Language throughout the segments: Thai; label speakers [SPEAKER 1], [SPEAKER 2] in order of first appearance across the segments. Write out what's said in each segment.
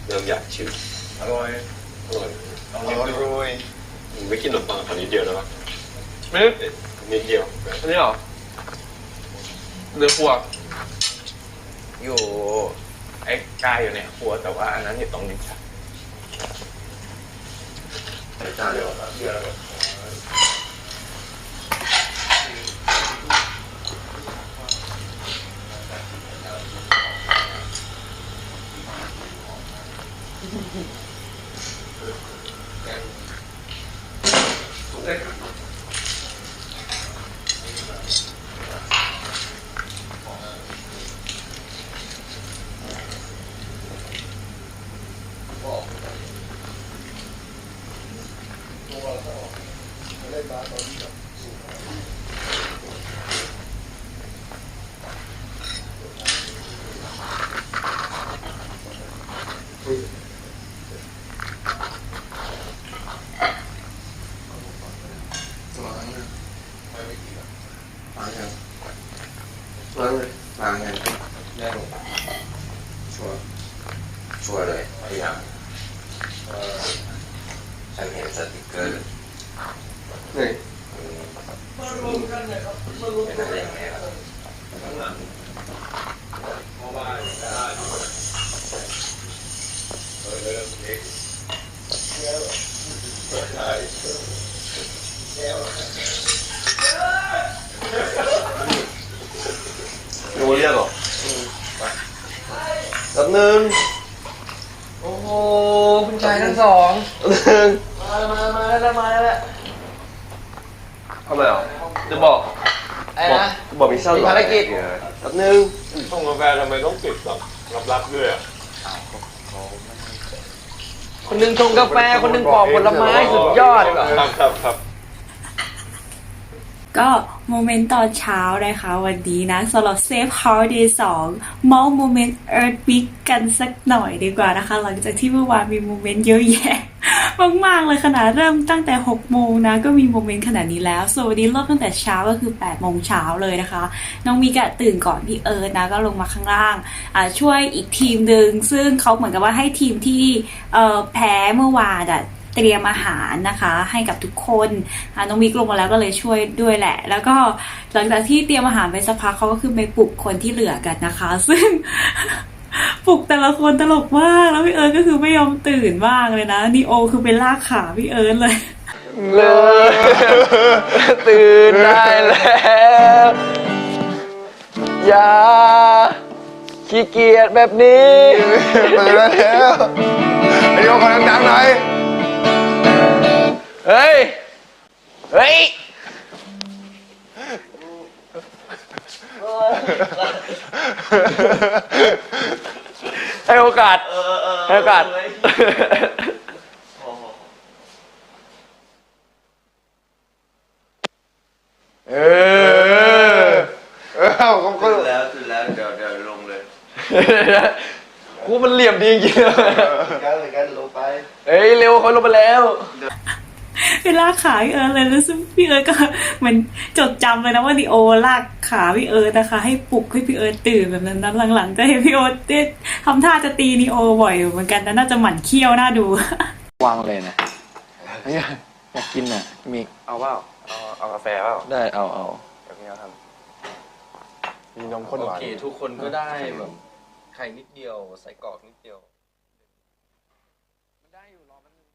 [SPEAKER 1] เริ่มอยากชิม
[SPEAKER 2] อร่อย
[SPEAKER 1] อร่อย
[SPEAKER 2] อร่อย
[SPEAKER 1] ไม่กินขนมปังตอนนี้เดียวแล้ว
[SPEAKER 2] ไม่
[SPEAKER 1] นิดเดียว
[SPEAKER 2] อันนี้เหรอเรือครัวอยู่ไอ้กายอยู่ในครัวแต่ว่าอันนั้นอยู่ตรงนี้ครับ
[SPEAKER 1] ใส่จานเดียวเดียวล้างยังได้ลงไปชัวร์เลยพยายามฉันเห็นสติกเกอร์นี่มาลงกันเลยครับมาลงกันเลยครับข้างหลังเพราะว่าได้เริ่มเล็กแล้วได้แล้วดูเรียกหรอแบบหนึ่ง
[SPEAKER 2] โอ้โหคุณชายทั้งสอง
[SPEAKER 1] หนึ่ง
[SPEAKER 2] มาแล้วทำไมอ่ะจะบอกไอ้นะ
[SPEAKER 1] บอกมิชชั่น
[SPEAKER 2] ภารกิจ
[SPEAKER 1] แบบหนึ่ง
[SPEAKER 2] ส่งกาแฟทำไมต้องปิดแบบลับๆด้วยอ่ะคนหนึ่งชงกาแฟคนหนึ่งปอกผลไม้สุดยอดครับ
[SPEAKER 3] ก็โมเมนต์ตอนเช้านะคะวันนี้นะสำหรับ Safe Holiday 2 เมาส์โมเมนต์ Earth Week กันสักหน่อยดีกว่านะคะหลังจากที่เมื่อวานมีโมเมนต์เยอะแยะมากๆเลยขนาดเริ่มตั้งแต่6โมงนะก็มีโมเมนต์ขนาดนี้แล้วส่วนวันนี้เริ่มตั้งแต่เช้าก็คือ8โมงเช้าเลยนะคะน้องมีกะตื่นก่อนพี่เอิร์ธนะก็ลงมาข้างล่างช่วยอีกทีมหนึ่งซึ่งเขาเหมือนกับว่าให้ทีมที่แพ้เมื่อวานเตรียมอาหารนะคะให้กับทุกคนน้องมิกลงมาแล้วก็เลยช่วยด้วยแหละแล้วก็หลังจากที่เตรียมอาหารไปสักพักเขาก็คือไปปลุกคนที่เหลือกันนะคะซึ่ง ปลุกแต่ละคนตลกมากแล้วพี่เอิร์ธก็คือไม่ยอมตื่นบ้างเลยนะนีโอคือไปลากขาพี่เอิร์ธเลย
[SPEAKER 2] ตื่นได้แล้วอย่าขี้เกียจแบบนี้
[SPEAKER 1] ตื่นแล้วไอ้โยคนดังๆหน่อย
[SPEAKER 2] เฮ้ยให้โอกาสให้โอกาส
[SPEAKER 1] ผมก็ตื่นแล้วเดี๋ยวลงเลย
[SPEAKER 2] กูมันเหลี่ยมดีจริง
[SPEAKER 1] ๆกันลงไป
[SPEAKER 2] เฮ้ยเร็วเขาลงไปแล้ว
[SPEAKER 3] ไปลากขาพี่เอิร์ธเลยแล้วซึ่งพี่เอิร์ธก็เหมือนจดจำเลยนะว่านีโอลากขาพี่เอิร์ธนะคะให้ปลุกให้พี่เอิร์ธตื่นแบบนั้นหลังๆจะเห็นพี่เอิร์ธทำท่าจะตีนีโอบ่อยเหมือนกันแต่น่าจะหมั่นเคี้ยวน่าดู
[SPEAKER 2] วางเลยนะอยากกินอ่ะมีเอาเปล่าเอากาแฟเปล่าได้เอาเดี๋ยวพี่เอาทำ
[SPEAKER 1] มีนมข้นหวาน
[SPEAKER 2] โอเคทุกคนก็ได้แบบไข่นิดเดียวใส่กรอกนิดเดียวได้อยู่รอแป๊บนึง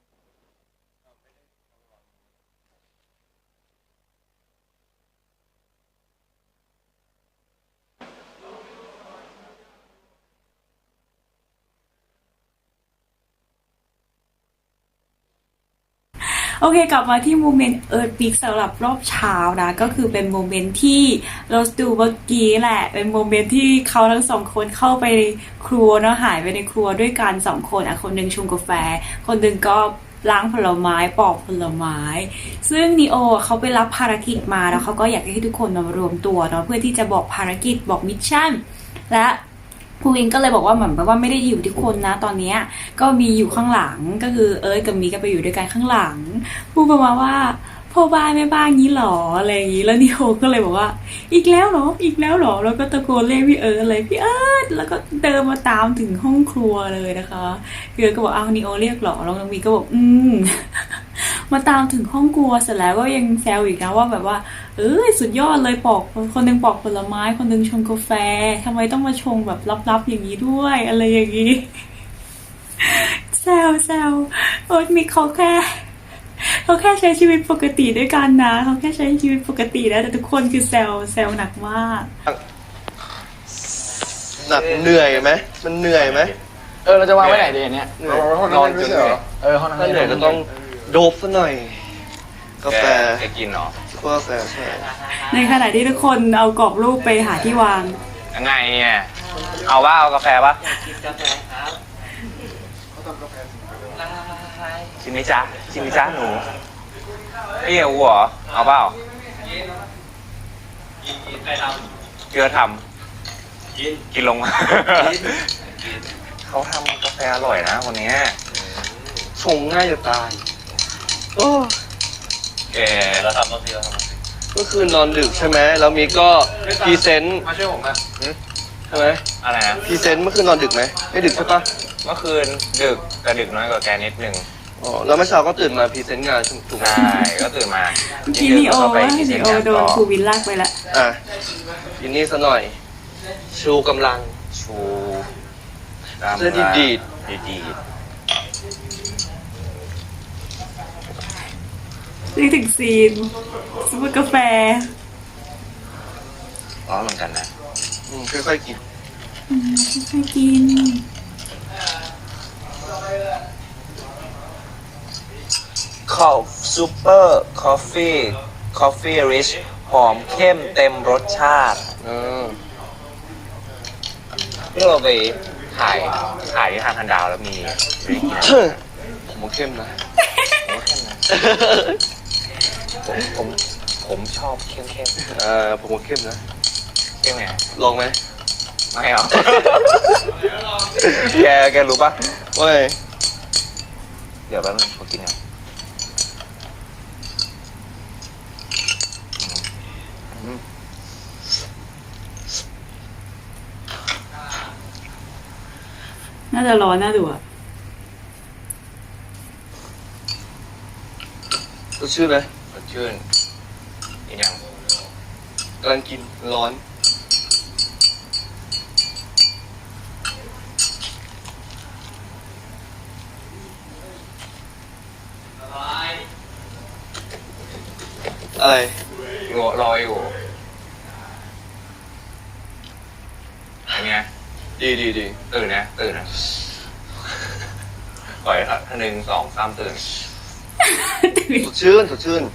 [SPEAKER 3] โอเคกลับมาที่โมเมนต์เอิร์ธบิ๊กสำหรับรอบเช้านะก็คือเป็นโมเมนต์ที่เราดูเมื่อกี้แหละเป็นโมเมนต์ที่เขาทั้งสองคนเข้าไปครัวเนาะหายไปในครัวด้วยกัน2คนคนหนึ่งชงกาแฟคนหนึ่งก็ล้างผลไม้ปอกผลไม้ซึ่งนีโอเขาไปรับภารกิจมาแล้วเขาก็อยากให้ทุกคนมารวมตัวเนาะเพื่อที่จะบอกภารกิจบอกมิชชั่นและภูวินก็เลยบอกว่าเหมือนว่าไม่ได้อยู่ทุกคนนะตอนนี้ก็มีอยู่ข้างหลังก็คือเอิร์ธกับมีก็ไปอยู่ด้วยกันข้างหลังพูดประมาณว่าพ่อบ้านแม่บ้านงี้หรออะไรอย่างงี้แล้วนิโอก็เลยบอกว่า อีกแล้วเหรออีกแล้วเหรอแล้วก็ตะโกนเรียกพี่เอิร์ธเลยพี่เอิร์ธแล้วก็เดินมาตามถึงห้องครัวเลยนะคะพี่เอิร์ธก็บอกอ้าวนิโอเรียกเหรอแล้วน้องมีก็บอกมาตามถึงห้องครัวเสร็จแล้วก็ยังแซวอีกนะว่าแบบว่าสุดยอดเลยปอกคนหนึงปอกผลไม้คนหนึงชงกาแฟทำไมต้องมาชงแบบลับๆอย่างนี้ด้วยอะไรอย่างนี้แซวโอ๊ตมีเขาแค่ใช้ชีวิตปกติด้วยกันนะเขาแค่ใช้ชีวิตปกตินะแต่ทุกคนคือแซวหนักมาก
[SPEAKER 1] หนักเหนื่อยไหมมันเหนื่อยไหม
[SPEAKER 2] เราจะวางไว้ไหนดีเนี่ย
[SPEAKER 1] เหนื่อย
[SPEAKER 2] นอนจนเหนื่อยห้องนั้น
[SPEAKER 1] ถ้าเหนื่อยก็ต้องโดบซะหน่อยกาแฟ
[SPEAKER 4] แกกินเหรอ
[SPEAKER 1] กาแฟใช่
[SPEAKER 3] ในขณะที่ทุกคนเอากรอบรูปไปหาที่วาง
[SPEAKER 4] ยังไงเนี่ยเอาว่าเอากาแฟปะ
[SPEAKER 5] กินกาแฟครับ
[SPEAKER 4] ชิมนิจ้าชิมนิจ้าหนูไอ้เหี้ยกูเหรอเอาเปล่าเกลือทำกินลงมาเขาทำกาแฟอร่อยนะคนนี้
[SPEAKER 1] ชงง่ายจะตายโอ้
[SPEAKER 4] แกเราทำต้องทีเราทำ
[SPEAKER 1] เมื่อคืนนอนดึกใช่ไหมแล้วมีก็พรีเซนต์
[SPEAKER 4] มาช่วยผมอ่ะ
[SPEAKER 1] ใช่ไหม
[SPEAKER 4] อะไรนะ
[SPEAKER 1] พรีเซนต์เมื่อคืนนอนดึกไหมไม่ดึกใช่ปะ
[SPEAKER 4] เมื่อคืนดึกแต่ดึกน้อยกว่าแกนิดนึง
[SPEAKER 1] อ๋อแล้วเมื่อเช้าก็ตื่นมาพรีเซนต์งานถูกไหม
[SPEAKER 4] ใช่ก็ตื่นมา
[SPEAKER 3] ทีนีโอ
[SPEAKER 4] แล้วก็ไป
[SPEAKER 3] ว่า
[SPEAKER 4] พรีเซ
[SPEAKER 3] นี
[SPEAKER 4] นต์
[SPEAKER 3] โอง
[SPEAKER 4] าน
[SPEAKER 3] โดน
[SPEAKER 4] ต่อ
[SPEAKER 3] ครูวินลากไปละ
[SPEAKER 1] อ่ะยินนี่ซะหน่อย ชูกำลัง
[SPEAKER 4] ชูตาม
[SPEAKER 1] เส้นดีด
[SPEAKER 4] ดีด
[SPEAKER 3] นึกถึงซีนซุปเปอร์กาแฟ
[SPEAKER 4] ร้อนเหมือนกันนะ
[SPEAKER 1] ค่อยๆกิน
[SPEAKER 3] ค่อยกิน
[SPEAKER 4] คอฟซูเปอร์คอฟฟี่ริชหอมเข้มเต็มรสชาติ ที่เราไปถ่ายที่ทางคันดาวแล้วมีวิธีกิน
[SPEAKER 1] ผมว่าเข้มนะ
[SPEAKER 4] ผมว่าเข้มนะผมชอบเข้ม
[SPEAKER 1] ผมว่าเข้มนะ
[SPEAKER 4] เข้มไง
[SPEAKER 1] ลองไหม
[SPEAKER 4] ไม่เอา แกรู้ปะ
[SPEAKER 1] เว้ย
[SPEAKER 4] เดี๋ยวแป๊บนึงขอกินก่อน
[SPEAKER 3] น่าจะร้อนน่าดูอ่ะ
[SPEAKER 1] สดชื่นไหม
[SPEAKER 4] สดชื่นอีกอย่าง
[SPEAKER 1] กำลังกินร้อน อะไร
[SPEAKER 4] รออยู่เป็นไง
[SPEAKER 1] ดี
[SPEAKER 4] ตื่นนะปล่อยครับ1 2 3ตื่น
[SPEAKER 1] สดชื่น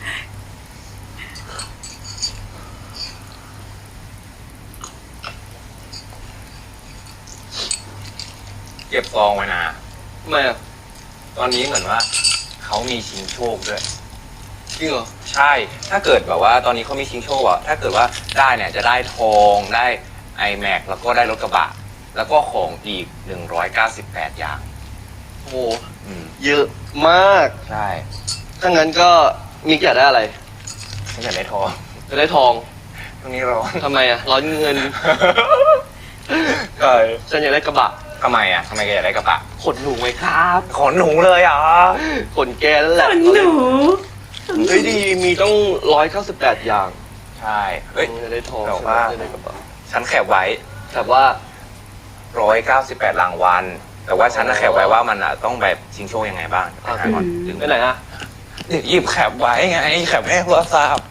[SPEAKER 4] เก็บซองไว้นะ
[SPEAKER 1] ทำไมอ่ะ
[SPEAKER 4] ตอนนี้เหมือนว่าเขามีชิงโชคด้วย
[SPEAKER 1] จริงเหรอ
[SPEAKER 4] ใช่ ถ้าเกิดแบบว่าตอนนี้เขามีชิงโชคอะถ้าเกิดว่าได้เนี่ยจะได้ทองได้ iMac แล้วก็ได้รถกระบะ แล้วก็ของอีก198อย่าง
[SPEAKER 1] โห
[SPEAKER 4] อืม
[SPEAKER 1] เยอะมาก
[SPEAKER 4] ใช่
[SPEAKER 1] ถ้างั้นก็มีอยากได้อะไร
[SPEAKER 4] ไม่อยากได้ทอง
[SPEAKER 1] จะได้ทอง
[SPEAKER 4] ตรงนี้ร้อน
[SPEAKER 1] ทำไมอ่ะ ร้อนเงิน
[SPEAKER 4] ใช่
[SPEAKER 1] ฉันอยากได้กระบะ
[SPEAKER 4] ทำไมอะทำไมแกอยากได้กระบะ
[SPEAKER 1] ขนหนูไหมครับ
[SPEAKER 4] ขนหนูเลยอ่ะ
[SPEAKER 1] ขนแกนั่นแหละ
[SPEAKER 3] ขนหนู
[SPEAKER 1] เฮ้ยดีมีต้อง198อย่าง
[SPEAKER 4] ใช่เฮ้ย
[SPEAKER 1] จะได้ทอง
[SPEAKER 4] แต่
[SPEAKER 1] ใช่ไหม
[SPEAKER 4] ว่า
[SPEAKER 1] จะได้กระบะ
[SPEAKER 4] ฉันแคบไว้
[SPEAKER 1] แต่ว่า
[SPEAKER 4] 198รางวัลแต่ว่าฉันน่ะแคบไว้ว่ามันอะต้องแบบชิงโชคยังไงบ้างไปหาก่อนถึง
[SPEAKER 1] ไปไหนฮะ
[SPEAKER 4] หยิบแคบไว้ไงแคบให้โทรศัพท์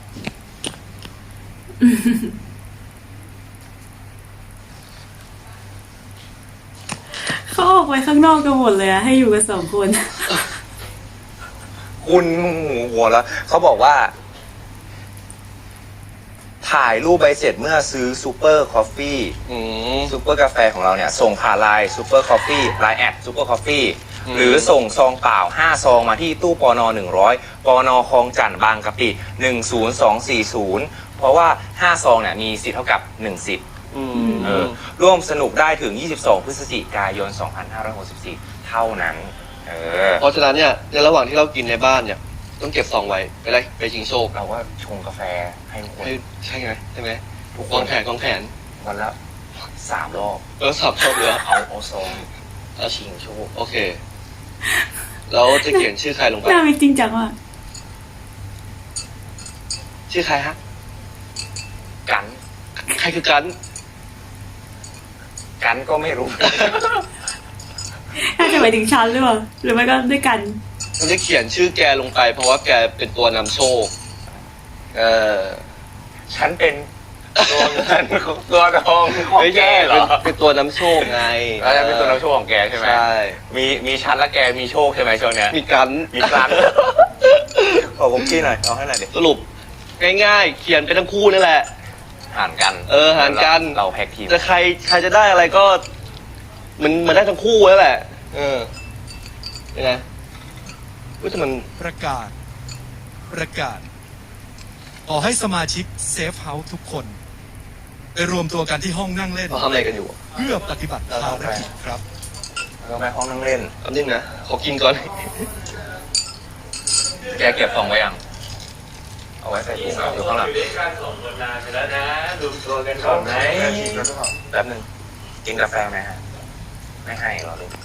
[SPEAKER 3] เขาออกไปข้างนอกกันหมดเลยอะให้อยู่กัน2 คน
[SPEAKER 4] คุณหัวแล้วเขาบอกว่า ถ่ายรูปใบเสร็จเมื่อซื้อซูเปอร์คอฟฟี่
[SPEAKER 1] อืม
[SPEAKER 4] ซูเปอร์กาแฟของเราเนี่ย ส่งผ่านไลน์ซูเปอร์คอฟฟี่ไลน์แอดซูเปอร์คอฟฟี่
[SPEAKER 1] อืม
[SPEAKER 4] หรือส่งซองเปล่า5ซองมาที่ตู้ปน100ปนคลองจันทน์บางกะปิ10240เพราะว่า5ซองเนี่ยมีสิทธิ์เท่ากับ1สิทธิ์ ร่วมสนุกได้ถึง22พฤศจิกายน2564เท่านั้น
[SPEAKER 1] เพราะฉะนั้นเนี่ยในระหว่างที่เรากินในบ้านเนี่ยต้องเก็บซองไว้ไปชิงโชค
[SPEAKER 4] เราก็ชงกาแฟให้ทุกคน
[SPEAKER 1] ใช่ไหม
[SPEAKER 4] ทุกค
[SPEAKER 1] กอน งแผน
[SPEAKER 4] วันละ3 รอบ
[SPEAKER 1] สับชอบเลย
[SPEAKER 4] เอาซองชิงโชค
[SPEAKER 1] โอเคแล้วจะเขียนชื่อใครลงไป
[SPEAKER 3] น่าเป็นจริงจังว่ะ
[SPEAKER 1] ชื่อใครฮะ
[SPEAKER 4] กัน
[SPEAKER 1] ใครคือกัน
[SPEAKER 4] กันก็ไม่รู้
[SPEAKER 3] น่าจะหมายถึงฉันหรือเปล่าหรือไม่ก็ด้วยกัน
[SPEAKER 1] มันจะเขียนชื่อแกลงไป เพราะว่าแกเป็นตัวนำโชค
[SPEAKER 4] ฉันเป็นตัวเงินตัวทองของแกเหรอ
[SPEAKER 1] เป็นตัวนำโชคไง
[SPEAKER 4] แล้วจะเป็นตัวนำโชคของแกใช่ไหม
[SPEAKER 1] ใช่
[SPEAKER 4] มีฉันและแกมีโชคใช่ไหมช่วงเนี้ย
[SPEAKER 1] มีกัน
[SPEAKER 4] มีกันขอคุกกี้หน่อยเอาให้หน่อยดิ
[SPEAKER 1] สรุปง่ายๆ เขียนไปทั้งคู่นั่นแหละ
[SPEAKER 4] หารกัน
[SPEAKER 1] หารกัน
[SPEAKER 4] เราแพ็กทีม
[SPEAKER 1] จะใครจะได้อะไรก็ มันได้ทั้งคู่แล้วแหละ ยังไงว่าแต่มัน
[SPEAKER 5] ประกาศ ขอให้สมาชิกเซฟเฮาส์ทุกคนไปรวมตัวกันที่ห้องนั่งเล่น
[SPEAKER 1] เขาทำอะไรกันอยู่
[SPEAKER 5] เพื่อปฏิบัติภารกิจครับ
[SPEAKER 4] เราไปห้องนั่งเล่น
[SPEAKER 1] คำนึงนะ ขอกินก่อน
[SPEAKER 4] แกเก็บซองไว้ยัง เอาไว้ใส่ถุงอยู่ข้างหลัง
[SPEAKER 1] อยู่ด้วยกันสองคนนานไปแล้วนะดูตัวกัน
[SPEAKER 4] ก่อนไหมแป๊บนึงกินกาแฟไหมฮะ ไม่ให้หรอลูก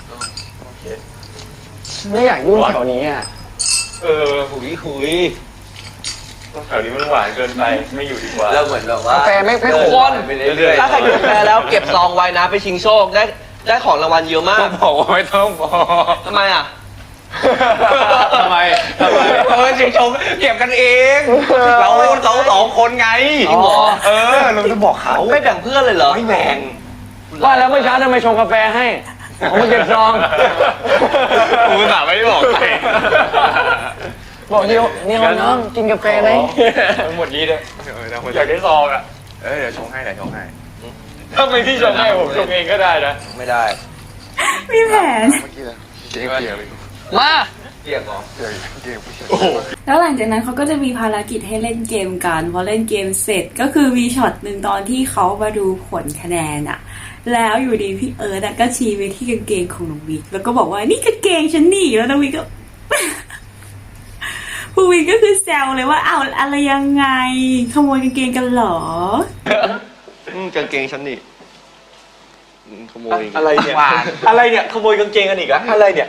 [SPEAKER 2] ไม่อยากยุ่งแถวนี้อ่ะ
[SPEAKER 1] หุย
[SPEAKER 4] แถวนี้มันหวานเกินไป ไม่อยู่ดีกว่า
[SPEAKER 1] เราเหมือนแบบว่าก
[SPEAKER 2] าแฟไม่
[SPEAKER 1] ทุ
[SPEAKER 2] ข
[SPEAKER 1] ก
[SPEAKER 2] ม
[SPEAKER 1] คนถ้าใครกินกาแฟแล้วเก็บซองไว้นะไปชิงโชคได้ของรางวัลเยอะมาก
[SPEAKER 4] บอกว่าไม่ต้องบอก
[SPEAKER 1] ทำไมอ่ะ
[SPEAKER 4] ทำไมชิงชงเก็บกันเอง เราสองคนไง
[SPEAKER 1] จริงเหรอ
[SPEAKER 4] เราจะบอกเขา
[SPEAKER 1] ไม่แบ่งเพื่อนเลยเหรอ
[SPEAKER 4] ไม่แบ่ง
[SPEAKER 2] ว่าแล้วเมื่อเช้าทำไมชงกาแฟให้ผมมาเก็บซอง
[SPEAKER 4] กูสาไม่ได้บอกใคร
[SPEAKER 2] บอกเดียวน้องกินกาแฟไหม
[SPEAKER 4] หมดนี้เลยอยากได้ซองอ่ะเดี๋ยวชงให้ถ้าไม่พี่ชงให้ผมชงเองก็ได้นะ
[SPEAKER 1] ไม่ได้
[SPEAKER 3] มีแผน
[SPEAKER 2] มา
[SPEAKER 1] เรียกเหรอ
[SPEAKER 3] แล้วหลังจากนั้นเขาก็จะมีภารกิจให้เล่นเกมกันพอเล่นเกมเสร็จก็คือมีช็อตหนึ่งตอนที่เขามาดูผลคะแนนอะแล้วอยู่ดีพี่เอิร์ธอะก็ชี้ไปที่กางเกงของน้องวิกแล้วก็บอกว่านี่กางเกงฉันนี่แล้วน้องวิกก็ ผู้วิกก็คือแซวเลยว่าอ้าวอะไรยังไงขโมยกางเกงกันเหรอ
[SPEAKER 1] กางเกงฉันนี่ขโมย
[SPEAKER 4] อะไรเนี่ยอะไรเนี่ยขโมยกางเกงกันอีกอะอะไรเนี่ย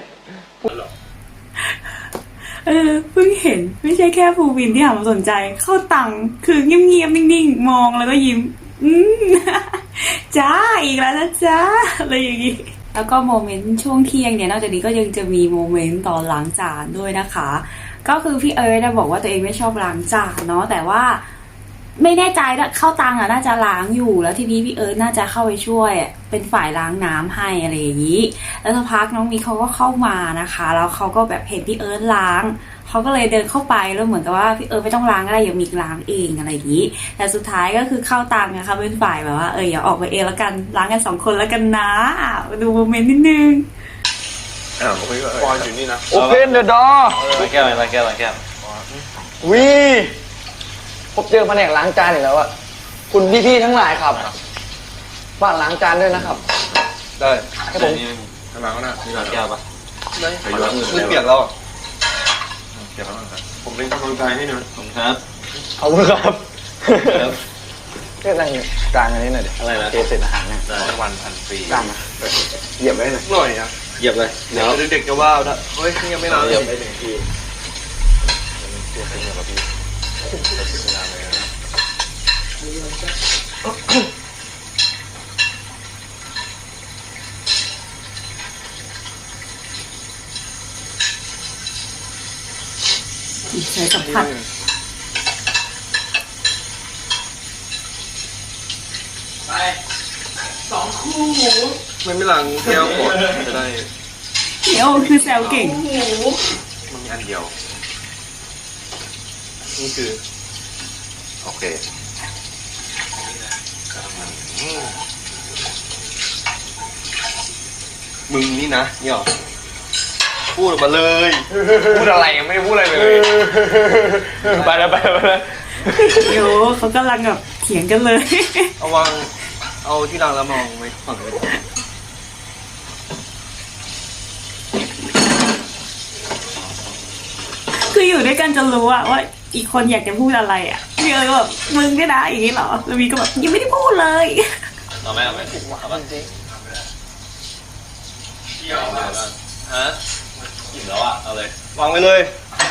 [SPEAKER 3] เพิ่งเห็นไม่ใช่แค่ภูวินที่หันมาสนใจ เข้าตังค์คือเงียบๆนิ่งๆมองแล้วก็ยิ้ม จ้าอีกแล้วนะจ้าอะไรอย่างงี้แล้วก็โมเมนต์ช่วงเที่ยงเนี่ยนอกจากนี้ก็ยังจะมีโมเมนต์ตอนล้างจานด้วยนะคะ ก็คือพี่เอิร์ธบอกว่าตัวเองไม่ชอบล้างจานเนาะแต่ว่าไม่แน่ใจนะเข้าตังน่าจะล้างอยู่แล้วทีนี้พี่เอิร์ธน่าจะเข้าไปช่วยเป็นฝ่ายล้างน้ำให้อะไรอย่างนี้แล้วสักพักน้องมีเขาก็เข้ามานะคะแล้วเขาก็แบบเห็นพี่เอิร์ธล้างเขาก็เลยเดินเข้าไปแล้วเหมือนกับว่าพี่เอิร์ธไม่ต้องล้างก็ได้อย่ามีล้างเองอะไรอย่างนี้แต่สุดท้ายก็คือเข้าตังนะคะเป็นฝ่ายแบบว่าอย่าออกไปเองแล้วกันล้างกัน2 คนแล้วกันนะมาดูโมเมนต์นิดนึง
[SPEAKER 4] ปอนอยู่นี่นะ
[SPEAKER 2] Open the door
[SPEAKER 4] แก้วอะไรแก้ว
[SPEAKER 2] วีพบเจอแผนกล้างจานอีกแล้วอะคุณพี่ๆทั้งหลายครับฝากล้างจานด้วยนะครับ
[SPEAKER 1] ได้
[SPEAKER 2] ให้ผม
[SPEAKER 4] ทำไมก็น่ะมีแก้วปะ
[SPEAKER 1] ไม่เปลี่ยนแล้ว
[SPEAKER 4] ผมเป็นกำลังใจให้นะผมครับ
[SPEAKER 2] ขอบคุณครับเรียกอะไรจานอันนี้หน่อยดิอะไรนะเทเศษอาหารเนี่ย
[SPEAKER 4] รางวัลพันปี
[SPEAKER 2] จานมาเหยียบไว้หน่อย
[SPEAKER 1] หน่อยอ่ะ
[SPEAKER 4] เหยียบเลย
[SPEAKER 1] เดี๋ยวเด็กๆจะว่าเอาเฮ้ยนี่ยังไม่นานเลย
[SPEAKER 4] ไป1 ทีตัวเป็นอย่างกับพี่เวลาเลยนะ
[SPEAKER 3] ใช้สัมผัส
[SPEAKER 1] ไม่หลังแก้วก่อนจะได้
[SPEAKER 3] เดี๋ยวคือแซวเก่ง
[SPEAKER 4] มันมีอันเดียว
[SPEAKER 1] นี่คือ
[SPEAKER 4] โอเค
[SPEAKER 1] มึงนี่นะเนี่ยหรอพูดออกมาเลย
[SPEAKER 4] พูดอะไรยังไม่ได้พูดอะไรเลย ไปแล้ว
[SPEAKER 3] เดี๋ยวเขากำลังแบบเถียงกันเลย
[SPEAKER 1] เอาที่รางแล้วมองไว้ฝั่งเลย
[SPEAKER 3] คืออยู่ด้วยกันจนรู้อะว่าอีกคนอยากจะพูดอะไรอะพี่เอิร์ธแบบมึงเนี่ยนะอย่างนี้เหรอแล้ววีก็แบบยังไม่ได้พูดเลย
[SPEAKER 4] เอาไหมเอาไหมเอาบ้างจริงฮะอิ่มแล้วอ่ะเอาเลยวางไปเลย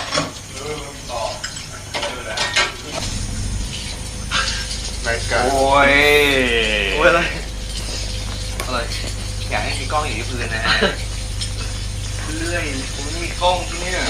[SPEAKER 4] โอ้ยอะไรอยากให้มีกล้องอยู่ที่พื้นนะฮะเรื่อยผมไม่มีกล้องที่นี่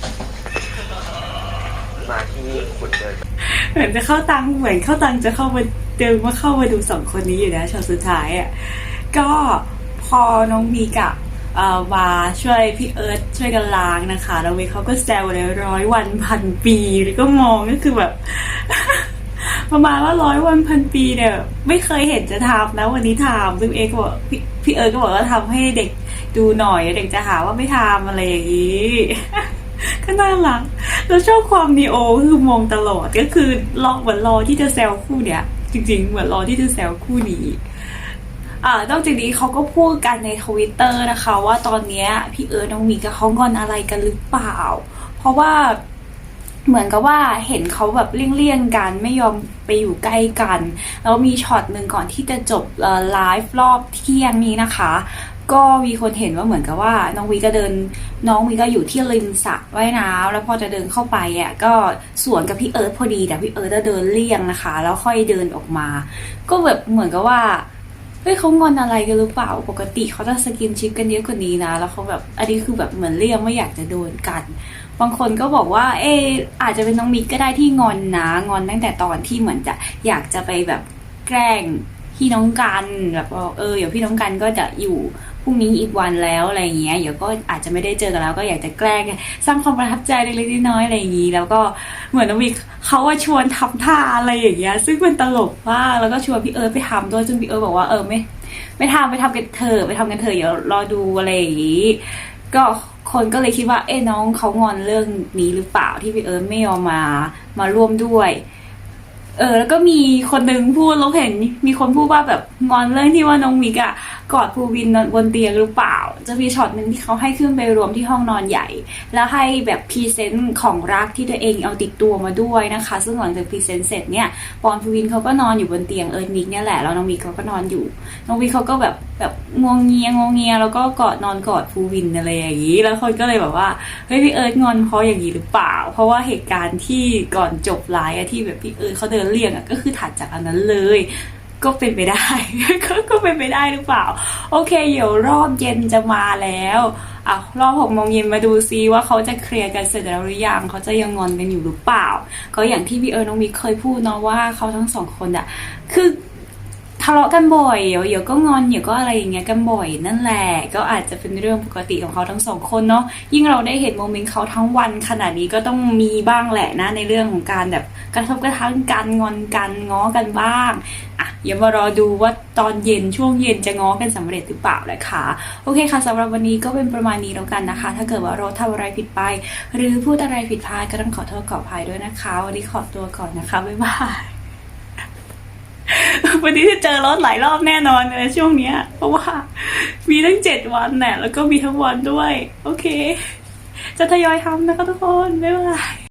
[SPEAKER 4] มาที่นี่คุณเดิน
[SPEAKER 3] เหมือนจะเข้าตังเหมือนเข้าตังจะเข้ามาเดินมาเข้ามาดูสองคนนี้อยู่นะช็อตสุดท้ายอ่ะก็พอน้องมีกับมาช่วยพี่เอิร์ธช่วยกันล้างนะคะแล้วเวเขาก็แซวเลย100 วันพันปีแล้วก็มองก็คือแบบ ประมาณว่า100 วันพันปีเนี่ยไม่เคยเห็นจะทำนะวันนี้ทำซึ่งเอกก็บอกพี่เอิร์ธก็บอกว่าทำให้เด็กดูหน่อยเด็กจะหาว่าไม่ทำอะไรอย่างนี้ ก็น่ารักแล้วชอบความนีโอคือมองตลอดก็คือเหมือนรอที่จะแซวคู่เนี้ยจริงๆเหมือนรอที่จะแซวคู่นี้นอกจากนี้เขาก็พูดกันในทวิตเตอร์นะคะว่าตอนเนี้ยพี่เอิร์ธน้องมีกับเขางอนอะไรกันหรือเปล่าเพราะว่าเหมือนกับว่าเห็นเขาแบบเลี่ยงกันไม่ยอมไปอยู่ใกล้กันแล้วมีช็อตหนึ่งก่อนที่จะจบไลฟ์รอบเที่ยงนี้นะคะก็มีคนเห็นว่าเหมือนกับว่าน้องวีก็อยู่ที่ริมสระว่ายน้ำแล้วพอจะเดินเข้าไปอ่ะก็สวนกับพี่เอิร์ธพอดีแต่พี่เอิร์ธจะเดินเลี่ยงนะคะแล้วค่อยเดินออกมาก็แบบเหมือนกับว่าเฮ้ยเขางอนอะไรกันหรือเปล่าปกติเขาจะสกินชิปกันเยอะกว่านี้นะแล้วเขาแบบอันนี้คือแบบเหมือนเลี่ยงไม่อยากจะโดนกันบางคนก็บอกว่าอาจจะเป็นน้องมิกก็ได้ที่งอนนะงอนตั้งแต่ตอนที่เหมือนจะอยากจะไปแบบแกล้งพี่น้องกันแบบเดี๋ยวพี่น้องกันก็จะอยู่พรุ่งนี้อีกวันแล้วอะไรอย่างเงี้ยเดี๋ยวก็อาจจะไม่ได้เจอกันแล้วก็อยากจะแกล้งสร้างความประทับใจเล็กๆน้อยๆอะไรอย่างงี้แล้วก็เหมือนน้องมิกเขาว่าชวนทำท่าอะไรอย่างเงี้ยซึ่งเป็นตลกมากแล้วก็ชวนพี่เอิร์ธไปทำด้วยซึ่งพี่เอิร์ธบอกว่าไม่ทำไปทำกันเถอะเดี๋ยวรอดูอะไรอย่างงี้ก็คนก็เลยคิดว่าน้องเขางอนเรื่องนี้หรือเปล่าที่พี่เอิร์ธไม่ยอมมาร่วมด้วยแล้วก็มีคนนึงพูดเราเห็นมีคนพูดว่าแบบงอนเรื่องที่ว่าน้องมิกกอดภูวินบนเตียงหรือเปล่าจะมีช็อตนึงที่เขาให้ขึ้นไปรวมที่ห้องนอนใหญ่แล้วให้แบบพรีเซนต์ของรักที่ตัวเองเอาติดตัวมาด้วยนะคะซึ่งหลังจากพรีเซนต์เสร็จเนี่ยปอนภูวินเขาก็นอนอยู่บนเตียงมิกเนี่ยแหละแล้วน้องมิกเขาก็นอนอยู่น้องมิกเขาก็แบบงวงเงียแล้วก็นอนกอดภูวินอะไรอย่างนี้แล้วคนก็เลยแบบว่าเฮ้ยพี่เอิร์ธงอนเพราะอย่างนี้หรือเปล่าเพราะว่าเหตุการณ์ที่ก่อนจบไลฟ์ที่แบบพี่เอิร์ธเขาเดินเลี่ยงก็คือถัดจากอันนั้นเลยก็เป็นไปได้ ก็เป็นไปได้หรือเปล่าโอเคเดี๋ยวรอบเย็นจะมาแล้วรอบ6 โมงเย็นมาดูซิว่าเขาจะเคลียร์กันเสร็จแล้วหรือยังเขาจะยังงอนกันอยู่หรือเปล่าก็อย่างที่พี่เอิร์ธน้องมิกเคยพูดเนาะว่าเขาทั้งสองคนคือทะเลาะกันบ่อยเดี๋ยวก็งอนเดี๋ยวก็อะไรอย่างเงี้ยกันบ่อยนั่นแหละก็อาจจะเป็นเรื่องปกติของเขาทั้งสองคนเนาะยิ่งเราได้เห็นโมเมนต์เขาทั้งวันขนาดนี้ก็ต้องมีบ้างแหละนะในเรื่องของการแบบกระทบกระทั่งกันงอนกันง้อกันบ้างอย่ามารอดูว่าตอนเย็นช่วงเย็นจะง้อกันสำเร็จหรือเปล่านะคะโอเคค่ะสำหรับวันนี้ก็เป็นประมาณนี้แล้วกันนะคะถ้าเกิดว่าเราทำอะไรผิดไปหรือพูดอะไรผิดพลาดก็ต้องขอโทษขออภัยด้วยนะคะวันนี้ขอตัวก่อนนะคะบ๊ายบายวันนี้จะเจอรถหลายรอบแน่นอนในช่วงนี้เพราะว่ามีทั้ง7 วันแหละแล้วก็มีทั้งวันด้วยโอเคจะทยอยทำนะคะทุกคนบ๊ายบาย